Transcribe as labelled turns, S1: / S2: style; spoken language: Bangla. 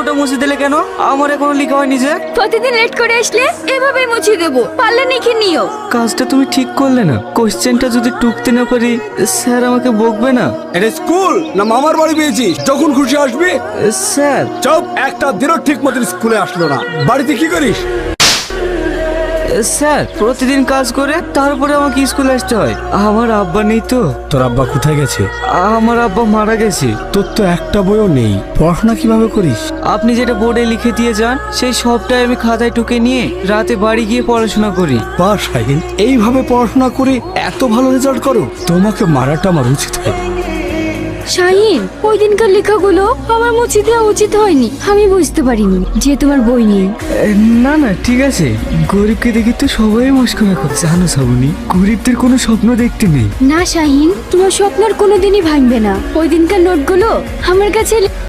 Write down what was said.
S1: নোটটা মুছে দিলে কেন? আমার এখনো লেখা হয়নি যে।
S2: প্রতিদিন লেট করে আসলে এভাবেই মুছে দেবো, পারলে লিখে নিও।
S1: কাজটা তুমি ঠিক করলে না। কোশ্চেনটা যদি টুকতে না পারি স্যার আমাকে বকবে না?
S3: এটা স্কুল না মামার বাড়ি পেয়েছিস? যখন খুশি আসবি।
S1: স্যার
S3: চুপ, একটা দিনও ঠিক মতন স্কুলে আসলো না। বাড়িতে কি করিস?
S1: স্যার প্রতিদিন কাজ করে তারপরে আমাকে স্কুলে আসতে হয়। আমার আব্বা নেই তো।
S3: তোর আব্বা কোথায় গেছে?
S1: আমার আব্বা মারা গেছে।
S3: তোর তো একটা বইও নেই, পড়াশোনা কিভাবে করিস?
S1: আপনি যেটা বোর্ডে লিখে দিয়ে যান সেই সবটাই আমি খাতায় টুকে নিয়ে রাতে বাড়ি গিয়ে পড়াশোনা করি।
S3: বা শাহিন, এইভাবে পড়াশোনা করে এত ভালো রেজাল্ট করো? তোমাকে মারাটা আমার উচিত হয়।
S2: শাহিন, ওই দিনকার লেখাগুলো আমার মুছে দেওয়া উচিত হয়নি। আমি বুঝতে পারিনি যে তোমার বই নেই।
S1: না না ঠিক আছে, গরিবকে দেখে তো সবাই মস্করা করে। জানো শ্রাবণী, গরিবদের কোনো স্বপ্ন দেখতে নেই।
S2: না শাহিন, তোমার স্বপ্ন আর কোনোদিনই ভাঙবে না। ওই দিনকার নোটগুলো আমার কাছে